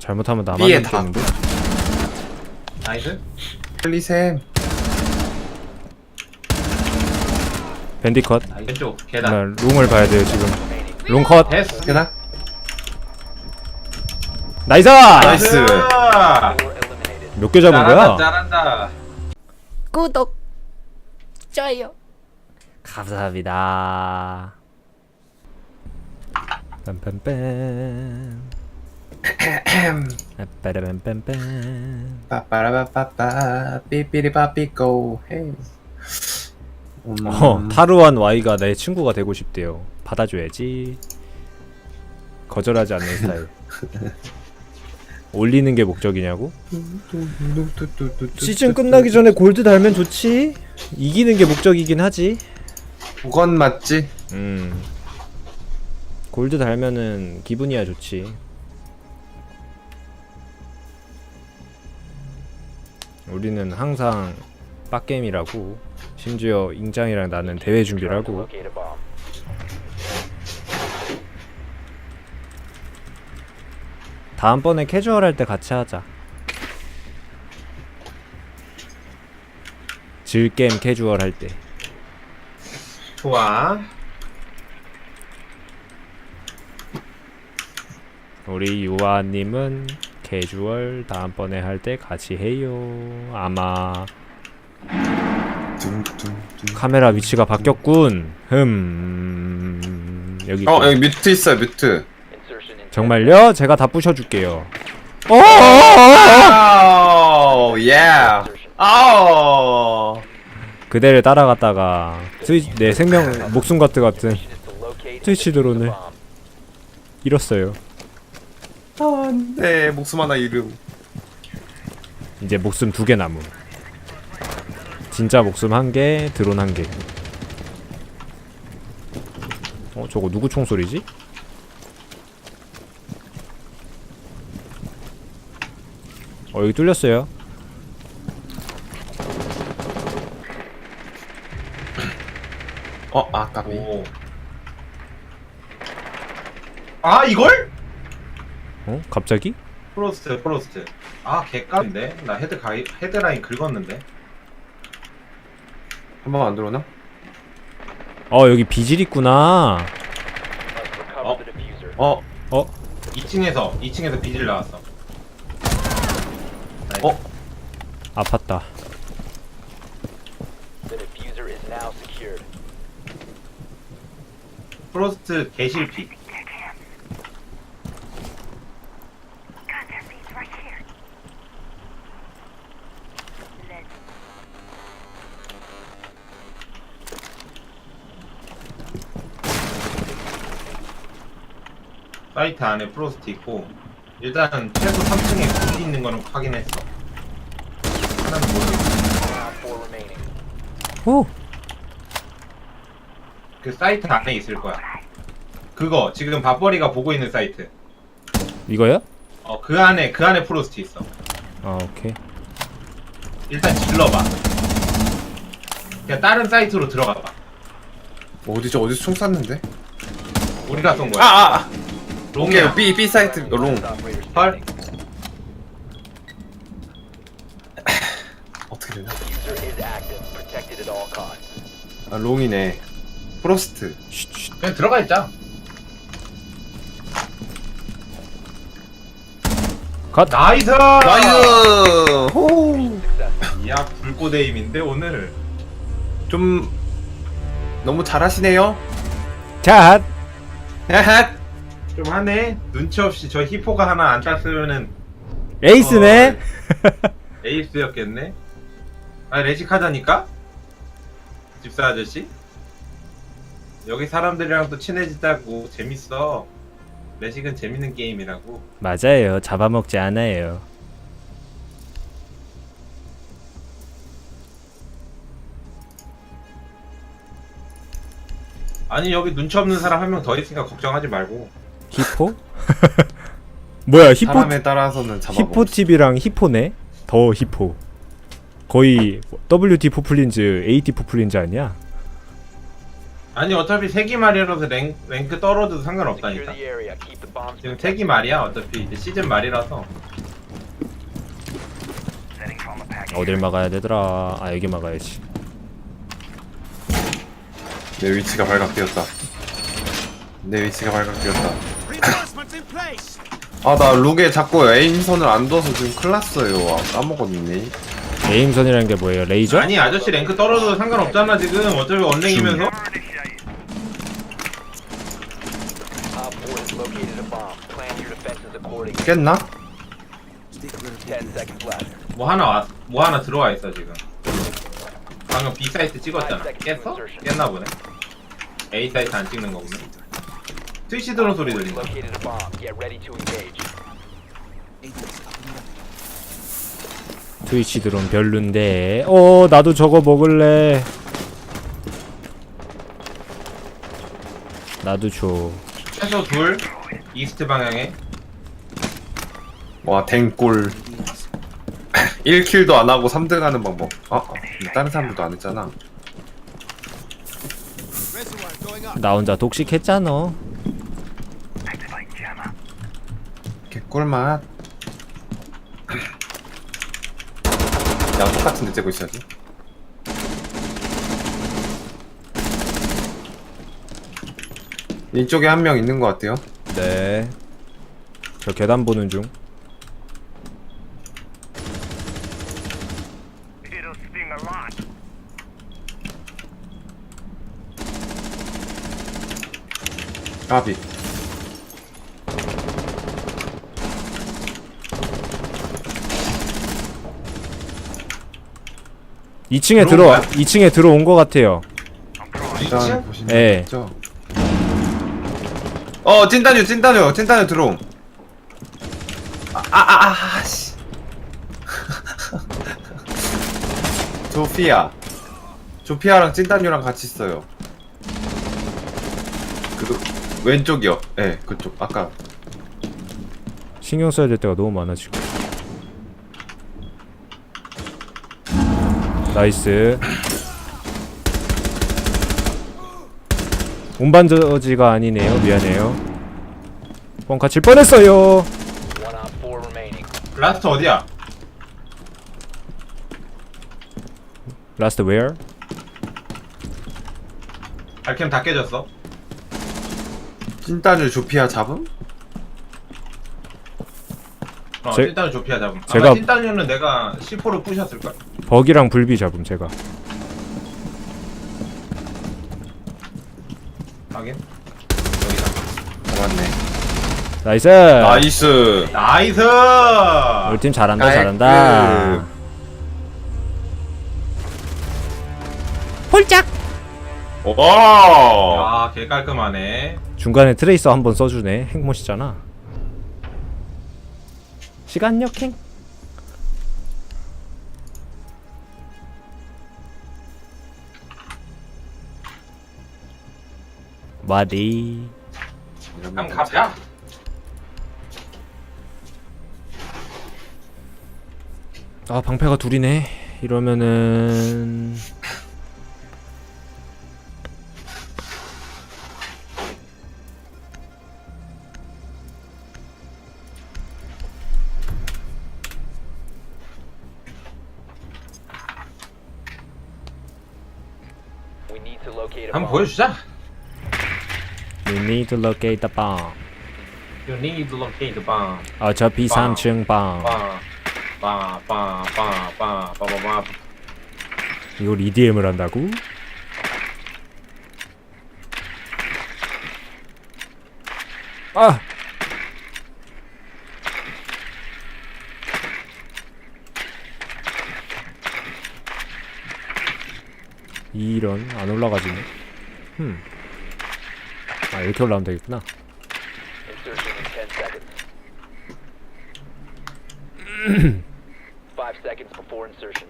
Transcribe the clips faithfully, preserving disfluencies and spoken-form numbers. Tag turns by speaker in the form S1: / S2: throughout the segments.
S1: 잘못하면 나만
S2: B에 다.
S1: 남겠는데?
S3: 나이스.
S2: 플리셈.
S1: 밴디컷.
S3: 왼쪽 계단.
S1: 정말 롱을 봐야 돼요 지금. 롱컷.
S3: 됐어.
S2: 계단.
S1: 나이스!
S2: 나이스.
S1: 몇 개 잡은
S3: 잘한다,
S1: 거야?
S3: 잘한다.
S4: 구독, 좋아요.
S1: 감사합니다. 빰빰빰. 빠라빰빰빰.
S2: 빠빠라빠빠빠 삐삐리빠삐꼬 헤이. 음.
S1: 어, 타루한 Y가 내 친구가 되고 싶대요. 받아줘야지. 거절하지 않는 스타일. 올리는 게 목적이냐고? 시즌 끝나기 전에 골드 달면 좋지. 이기는 게 목적이긴 하지.
S2: 그건 맞지.
S1: 음. 골드 달면은 기분이야 좋지. 우리는 항상 빡게임이라고. 심지어 잉장이랑 나는 대회 준비를 하고. 다음번에 캐주얼 할 때 같이 하자. 질게임 캐주얼 할 때.
S3: 좋아.
S1: 우리 유아님은 캐주얼 다음번에 할 때 같이 해요. 아마 카메라 위치가 바뀌었군. 흠. 여기
S2: 어
S1: 있고.
S2: 여기 뮤트 있어요 뮤트.
S1: 정말요? 제가 다 부셔줄게요. 어!
S2: 아우 예. 아우.
S1: 그대를 따라갔다가 스위치 내 생명 목숨 같은 같은 스위치 드론을 잃었어요.
S2: 안돼 목숨 하나 잃음.
S1: 이제 목숨 두 개 남음. 진짜 목숨 한 개, 드론 한 개. 어, 저거 누구 총소리지? 어, 여기 뚫렸어요.
S2: 어 아까비.
S3: 오. 아 이걸?
S1: 어? 갑자기?
S3: 프로스트 프로스트. 아 개깜인데. 나 헤드 가이 헤드라인 긁었는데.
S2: 한 번 안 들어오나?
S1: 어, 여기 비질 있구나.
S3: 어?
S2: 어.
S1: 어?
S3: 이 층에서 이 층에서 비질 나왔어.
S2: 어?
S1: 아팠다.
S3: 프로스트 개실피. 사이트 안에 프로스트 있고 일단 최소 삼 층에 굴이 있는 거는 확인했어. 하나는 모르겠어.
S1: 오!
S3: 그 사이트 안에 있을 거야. 그거 지금 밥벌이가 보고 있는 사이트.
S1: 이거야?
S3: 어 그 안에 그 안에 프로스트 있어.
S1: 아, 오케이.
S3: 일단 질러봐. 그냥 다른 사이트로 들어가봐.
S2: 어디죠 어디서 총 쐈는데?
S3: 우리가 쏜 거야.
S2: 아아. 아.
S3: 롱이야.
S2: 오케이 B B 사이트 어, 롱.
S3: 헐.
S2: 어떻게 되나? 아 롱이네. 프로스트.
S1: 쉿, 쉿.
S3: 그냥 들어가 있자.
S1: 컷!
S3: 나이스.
S2: 나이스. 호.
S3: 이야 불꽃에임인데 오늘.
S2: 좀 너무 잘하시네요.
S1: 자!
S2: 야핫.
S3: 좀 하네. 눈치 없이 저 히포가 하나 안 땄으면은
S1: 에이스네?
S3: 에이스였겠네. 아 레식하자니까? 집사 아저씨? 여기 사람들이랑 또 친해지자고. 재밌어. 레식은 재밌는 게임이라고.
S1: 맞아요. 잡아먹지 않아요.
S3: 아니 여기 눈치 없는 사람 한 명 더 있으니까 걱정하지 말고.
S1: 히포? 뭐야, 히포,
S2: 사람에 따라서는 잡아.
S1: 히포팁이랑 히포네? 더 히포. 거의 더블유티 포플린즈, 에이티 포플린즈 아니야?
S3: 아니 어차피 세기 말이라서 랭, 랭크 떨어져도 상관없다니까. 지금 세기 말이야. 어차피 이제 시즌 말이라서.
S1: 어딜 막아야 되더라. 아 여기 막아야지.
S2: 내 위치가 발각되었다. 내 위치가 발각되었다. 아, 나 룩에 자꾸 에임선을 안 둬서 지금 큰일 났어요. 아, 까먹었네.
S1: 에임선이라는 게 뭐예요? 레이저?
S3: 아니 아저씨 랭크 떨어져도 상관없잖아 지금. 어차피 언랭이면서.
S2: 깼나?
S3: 뭐 하나 왔, 뭐 하나 들어와 있어 지금. 방금 B 사이트 찍었잖아. 깼어? 깼나 보네. A 사이트 안 찍는 거 보네. 트위치 드론 소리 들린다.
S1: 트위치 드론 별론데. 어 나도 저거 먹을래. 나도 줘.
S3: 최소 둘. 이스트 방향에.
S2: 와, 댕골. 일 킬도 안 하고 삼 등 하는 방법. 아, 아, 다른 사람들도 안 했잖아.
S1: 나 혼자 독식했잖아.
S2: 개꿀맛. 야, 똑같은데 째고 있어야지. 이쪽에 한 명 있는 것 같아요.
S1: 네. 저 계단 보는 중.
S2: 까비.
S1: 이 층에
S3: 들어온
S1: 들어
S3: 거야?
S1: 이 층에 들어온 것 같아요.
S2: 일단
S3: 이층?
S2: 보시면
S1: 예.
S2: 있죠. 어, 찐따뉴, 찐따뉴, 찐따뉴 들어옴. 아, 아, 아, 아, 씨. 조피아. 조피아랑 찐따뉴랑 같이 있어요. 그 왼쪽이요. 예, 네, 그쪽. 아까.
S1: 신경 써야 될 때가 너무 많아 지금. 나이스. 운반저지가 아니네요. 미안해요. 뻥카 칠 뻔했어요.
S3: 라스트 어디야?
S1: 라스트 웨어?
S3: 발캠 다 깨졌어.
S2: 찐따뉴 조피아 잡음?
S3: 어,
S1: 제-
S3: 찐따뉴 조피아 잡음.
S1: 제가-
S3: 아마 찐따뉴는 내가 씨 포를 부셨을걸?
S1: 버기랑 불비 잡음 제가.
S3: 확인. 여기다.
S2: 잡았네.
S1: 나이스.
S2: 나이스.
S3: 나이스!
S1: 우리 팀 잘한다
S2: 깔끔.
S1: 잘한다. 홀짝.
S2: 와.
S3: 아, 개 깔끔하네.
S1: 중간에 트레이서 한번 써주네. 핵못이잖아. 시간 역행. 마디.
S3: 그럼 가자.
S1: 아 방패가 둘이네. 이러면은
S3: 한번 보여주자.
S1: We need to locate the bomb.
S3: You need to locate the bomb.
S1: 어차피 삼 층 bomb.
S3: 빠, 빠, 빠, 빠, 빠, 빠, 빠, 빠.
S1: 이걸 이디엠을 한다고? 아! 이런 안 올라가지네. 흠. 아 이렇게 올라오면 되겠구나.
S5: Five seconds before insertion.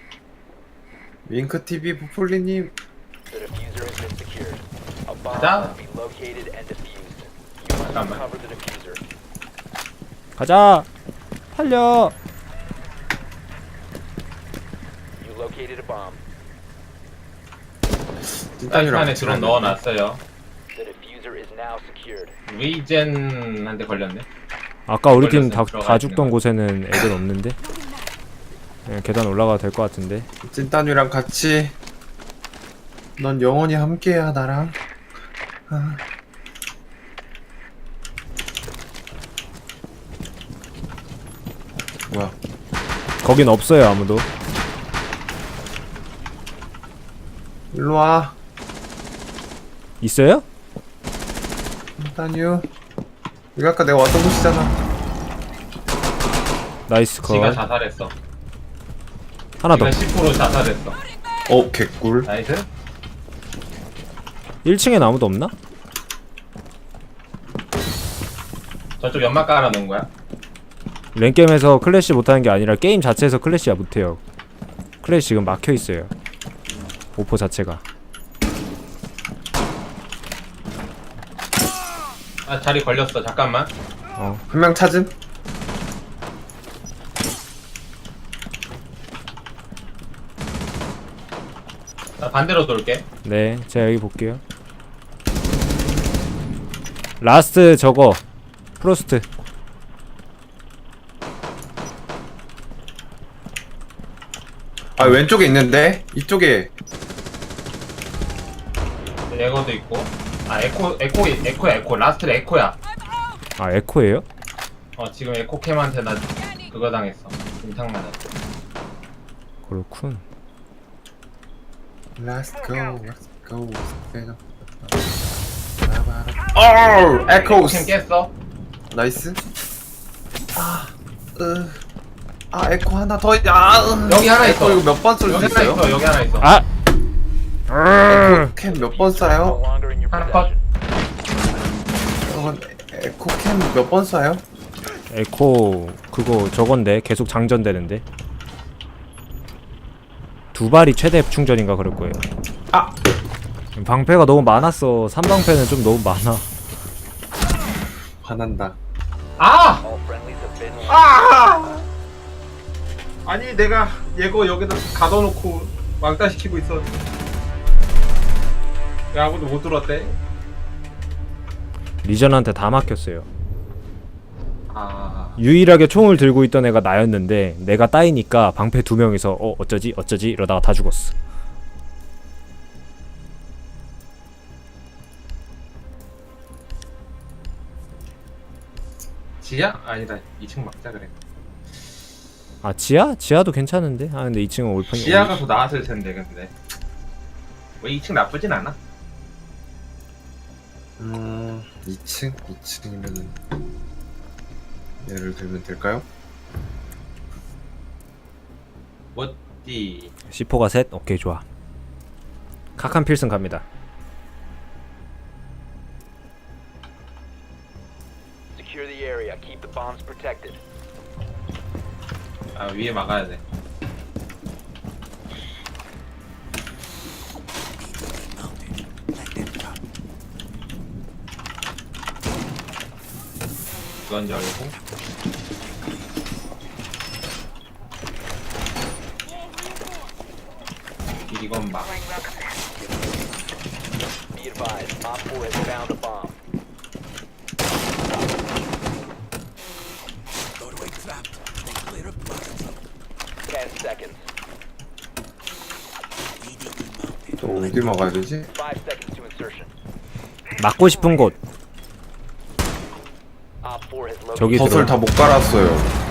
S2: 윙크티비 부풀리님.
S5: The diffuser has been secured. A bomb
S3: 가자.
S5: must be located and defused. You must
S3: 잠깐만.
S5: recover the diffuser.
S1: 가자. 살려.
S5: You located a bomb.
S2: 찐따뉴랑
S3: 안에
S2: 같이
S3: 드론
S2: 가는데.
S3: 넣어놨어요.
S5: The diffuser is now secured.
S3: 리젠한테 걸렸네.
S1: 아까 우리 팀 다
S3: 걸렸으면 들어가
S1: 다
S3: 있는
S1: 죽던
S3: 거야.
S1: 곳에는 애들 없는데. 네, 계단 올라가도 될 것 같은데.
S2: 찐따뉴랑 같이 넌 영원히 함께야 나랑. 아. 뭐야?
S1: 거긴 없어요 아무도.
S2: 일로 와.
S1: 있어요?
S2: 찐따뉴. 여기 아까 내가 왔던 곳이잖아.
S1: 나이스 컷.
S3: 지가 자살했어.
S1: 하나 더.
S3: 지가 십 퍼센트 자살했어.
S2: 어 개꿀.
S3: 나이스.
S1: 일 층엔 아무도 없나?
S3: 저쪽 연막 깔아놓은 거야?
S1: 랭겜에서 클래시 못하는 게 아니라 게임 자체에서 클래시야 못해요. 클래시 지금 막혀있어요 오포 자체가.
S3: 아 자리 걸렸어. 잠깐만.
S1: 어
S2: 한 명 찾음?
S3: 나 반대로 돌게.
S1: 네, 제가 여기 볼게요. 라스트 저거 프로스트.
S2: 아 왼쪽에 있는데 이쪽에.
S3: 에거도 있고. 아 에코 에코 에코야 에코. 라스트 에코야.
S1: 아 에코예요?
S3: 어 지금 에코캠한테 나 그거 당했어. 임탕 맞았어.
S1: 그렇군.
S2: Let's go, let's go. 어,
S3: 에코캠
S2: 에코스.
S3: 깼어.
S2: 나이스. 아, 으, 아 에코 하나 더. 있- 아, 으.
S3: 여기 하나
S2: 에코
S3: 있어.
S2: 이거 몇 번 쏠
S3: 여기
S2: 수
S3: 하나
S2: 있어요?
S3: 있어. 여기 하나 있어.
S1: 아!
S2: 캠 몇 번
S5: No
S2: 쏴요?
S5: longer in your
S3: 하나 컷.
S5: possession.
S2: 저건 에코 캠 몇 번 쏴요?
S1: 에코 그거 저건데 계속 장전되는데. 두 발이 최대 충전인가 그럴 거예요.
S2: 아,
S1: 방패가 너무 많았어. 삼방패는 좀 너무 많아.
S2: 화난다.
S3: 아!
S5: All friendlies have been
S3: 아! 아니 내가 얘거 여기다 가둬놓고 왕따시키고 있었는데 왜 아무도 못 들었대?
S1: 리전한테 다 막혔어요.
S3: 아...
S1: 유일하게 총을 들고 있던 애가 나였는데 내가 따이니까 방패 두 명이서 어 어쩌지 어쩌지 이러다가 다 죽었어.
S3: 지야? 아니다 이 층 막자 그래.
S1: 아 지하? 지하도 괜찮은데? 아 근데 이 층은 올평이
S3: 지하가 더 나았을 텐데 근데 왜 이 층 나쁘진 않아?
S2: 음, 이 층, 이 층이면은 예를 들면 될까요?
S3: 뭐지?
S1: 시포가 셋? 오케이 좋아. 카칸 필승 갑니다.
S5: secure the area. Keep the bombs protected.
S3: 아 위에 막아야 돼. 이건 열고 이건 막
S5: Be advised, Op four has found a bomb. Ten seconds.
S2: 또 어디 막아야 되지?
S5: Five seconds to insertion.
S1: 막고 싶은 곳
S5: Op four has located.
S1: 저기
S2: 덫을
S1: 들어.
S2: 다 못 깔았어요.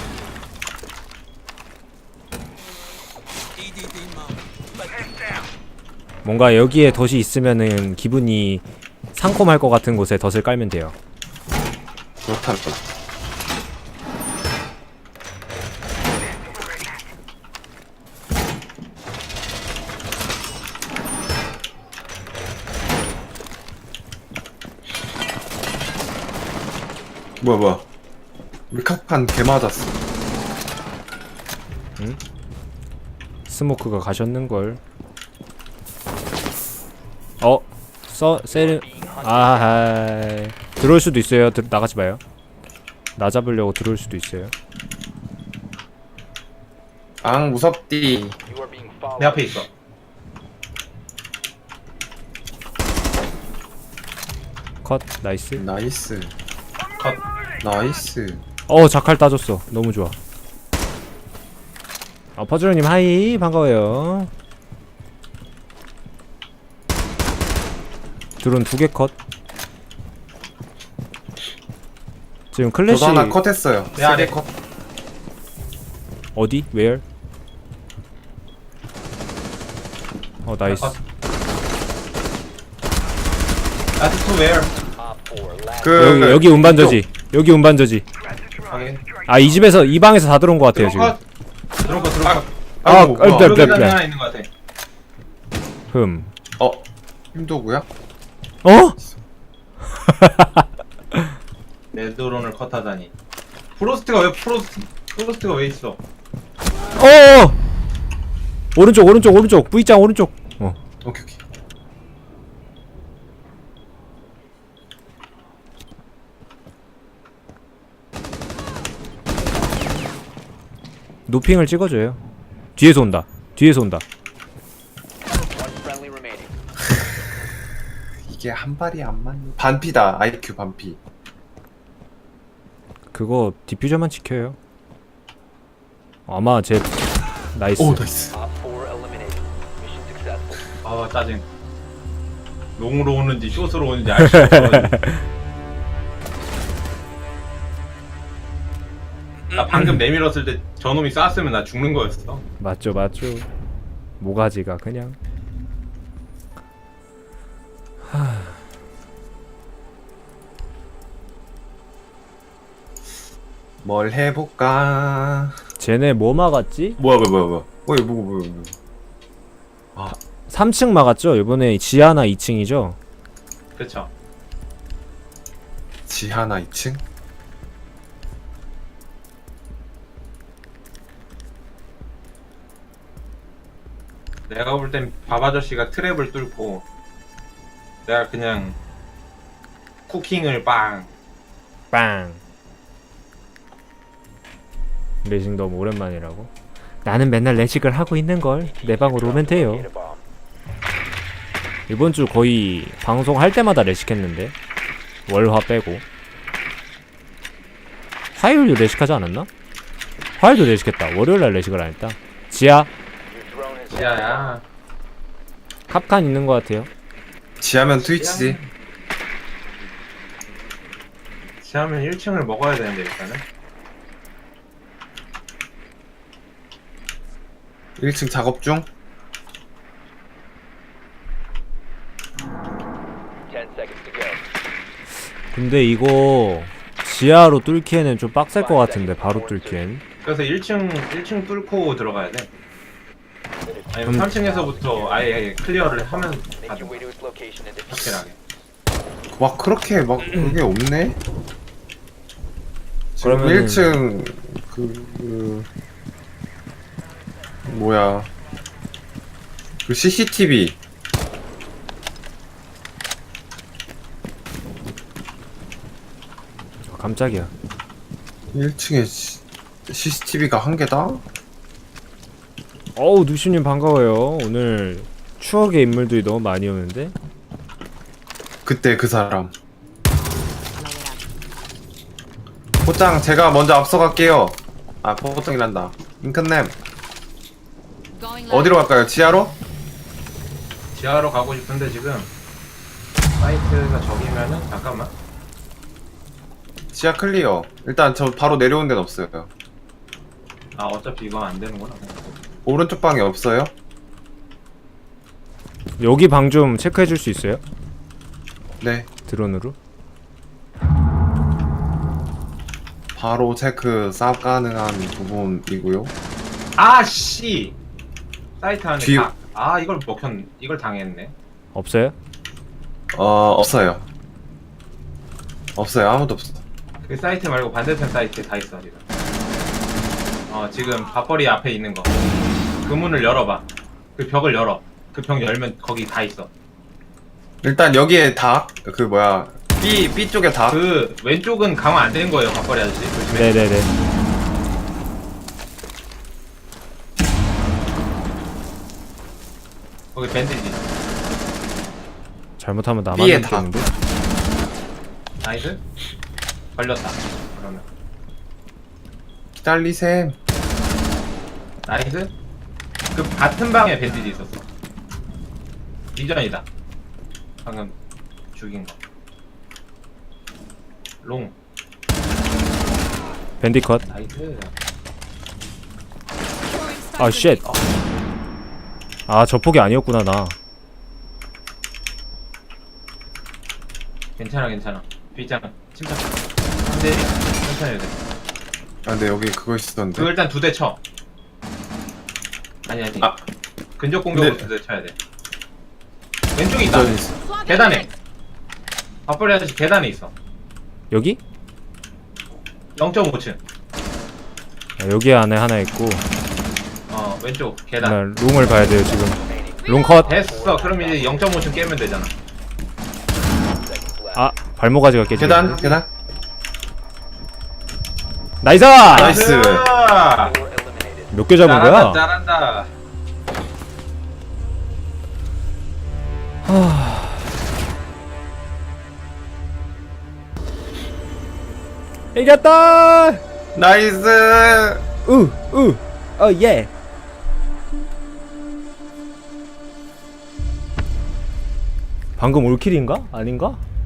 S1: 뭔가 여기에 덫이 있으면은 기분이 상콤할 것 같은 곳에 덫을 깔면 돼요.
S2: 그렇다면. 뭐야 뭐야. 우리 카판 개 맞았어.
S1: 스모크가 가셨는걸. 어? 써.. 세르.. 아하 들어올 수도 있어요. 들, 나가지 마요. 나 잡으려고 들어올 수도 있어요.
S2: 앙 무섭디.
S5: You are being followed.
S3: 내 앞에 있어.
S1: 컷 나이스.
S2: 나이스.
S3: 컷.
S2: 나이스.
S1: 어 자칼 따줬어. 너무 좋아. 어 퍼즐님 하이 반가워요. 드론 두 개 컷. 지금 클래시
S2: 저도 하나 컷했어요.
S3: 내 아래
S2: 세개 컷.
S1: 어디? where? 어 나이스.
S3: 컷. 라스트 투 웨어.
S5: Op four, last
S2: 그
S1: 여기 여기 운반저지. 여기 운반저지.
S3: 확인.
S1: 아 이 집에서 이 방에서 다 들어온 것 같아요 지금.
S3: 컷. 들어온 거 들어온 거.
S1: 아,
S2: 아이고,
S1: 아,
S2: 뭐야.
S1: 네,
S3: 여기
S1: 네,
S3: 계단에
S1: 네.
S3: 하나 있는 거 같아.
S1: 흠.
S2: 어 힘도구야?
S1: 어?
S3: 내 드론을 컷하다니. 프로스트가 왜 프로스트 프로스트가 왜 있어?
S1: 어. 오른쪽 오른쪽 오른쪽 V짱 오른쪽. 어.
S2: 오케이 오케이.
S1: 노핑을 찍어줘요. 뒤에서 온다. 뒤에서 온다.
S5: one friendly remaining.
S2: 이게 한 발이 안 맞네. 반피다. 아이큐 반피.
S1: 그거 디퓨저만 지켜요. 아마 제 나이스.
S2: 오 나이스.
S5: Op four eliminated. Mission successful.
S3: 아 짜증. 롱으로 오는지 숏으로 오는지 알 수 없어. 나 방금 내밀었을 때 저놈이 쐈으면 나 죽는 거였어.
S1: 맞죠 맞죠. 모가지가 그냥.
S2: 뭘 해볼까?
S1: 쟤네 뭐 막았지?
S2: 뭐야 뭐야 뭐야 뭐야. 어이 뭐야 뭐야 뭐야.
S1: 삼 층 막았죠? 이번에 지하나 이 층이죠?
S3: 그쵸.
S2: 지하나 이 층?
S3: 내가 볼 땐 밥 아저씨가 트랩을 뚫고 내가 그냥 쿠킹을 빵.
S1: 빵. 레식 너무 오랜만이라고? 나는 맨날 레식을 하고 있는걸. 내 방으로 오면 돼요.
S5: Locate a bomb.
S1: 이번 주 거의 방송할 때마다 레식했는데 월화 빼고. 화요일도 레식하지 않았나? 화요일도 레식했다. 월요일날 레식을 안 했다. 지하
S5: Your drone has
S3: 야야.
S1: 캅칸 있는 것 같아요.
S2: 지하면 트위치지.
S3: 지하면 일 층을 먹어야 되는데 일단은.
S2: 일 층 작업 중.
S5: ten seconds to go.
S1: 근데 이거 지하로 뚫기에는 좀 빡셀 것 같은데 바로 뚫기엔.
S3: 그래서 일 층 일 층 뚫고 들어가야 돼. 아니면
S1: 음.
S3: 삼 층에서부터 아예 클리어를 하면
S5: Make
S3: 가자.
S5: your way to its location and defuse.
S3: 확실하게.
S2: 막 그렇게 막 그게 없네. 지금
S1: 그러면은-
S2: 일 층 그, 그 뭐야 그 씨씨티비
S1: 아, 깜짝이야.
S2: 일 층에 씨씨티비가 한 개다?
S1: 어우 누슈님 반가워요. 오늘 추억의 인물들이 너무 많이 오는데.
S2: 그때 그 사람. 포장 제가 먼저 앞서갈게요. 아 포장이란다. 잉크냄 어디로 갈까요? 지하로?
S3: 지하로 가고 싶은데 지금 사이트가 저기면은 잠깐만.
S2: 지하 클리어. 일단 저 바로 내려온 데는 없어요.
S3: 아 어차피 이거 안 되는구나.
S2: 오른쪽 방에 없어요?
S1: 여기 방 좀 체크해 줄 수 있어요?
S2: 네.
S1: 드론으로?
S2: 바로 체크 쌉 가능한 부분이고요.
S3: 아 씨. 사이트 안에
S2: 뒤-
S3: 다. 아 이걸 먹혔. 이걸 당했네.
S1: 없어요?
S2: 어 없어요. 없어요. 아무도 없어.
S3: 그 사이트 말고 반대편 사이트에 다 있어 지금. 어 지금 밥벌이 앞에 있는 거. 그 문을 열어봐. 그 벽을 열어. 그 벽 열면 거기 다 있어.
S2: 일단 여기에 닭, 그 뭐야 B B 쪽에 닭.
S3: 그 왼쪽은 강화 안 되는 거예요 밥벌이 아저씨. 조심해.
S1: 네네네.
S3: 거기 밴드지.
S1: 잘못하면 나만
S2: B에
S1: 죽겠는데?
S3: 나이스. 걸렸다. 그러면
S2: 기다리셈.
S3: 나이스. 그 같은 방에 밴디지 있었어. 리전이다. 방금 죽인 거. 롱.
S1: 밴디컷.
S3: 나이스.
S1: 아 쉣. 아 저 폭이 아니었구나 나.
S3: 괜찮아 괜찮아. 빗장 침착. 근데 천천히 해야 돼.
S2: 아 근데 여기 그거 있었는데.
S3: 그거 일단 두 대 쳐. 아니 아니.
S2: 아.
S3: 근접 공격으로
S2: 근데-
S3: 두 대 쳐야 돼. 왼쪽에 있다.
S2: 저기 있어.
S3: 계단에. 밥벌이 아저씨 계단에 있어.
S1: 여기?
S3: 영 점 오 층.
S1: 아, 여기 안에 하나 있고.
S3: 어 왼쪽 계단.
S1: 나 롱을 봐야 돼요 지금. 롱 컷.
S3: 됐어. 그럼 이제 영 점 오 층 깨면 되잖아.
S5: Seconds left.
S1: 아 발모가지가 깨지.
S2: 계단 계단.
S1: 나이스.
S2: 나이스.
S5: Four eliminated.
S1: 몇 개 잡은
S3: 잘한다,
S1: 거야?
S3: 잘한다.
S1: 이겼다.
S2: 나이스.
S1: 우우 어 예. 방금 올킬인가? 아닌가?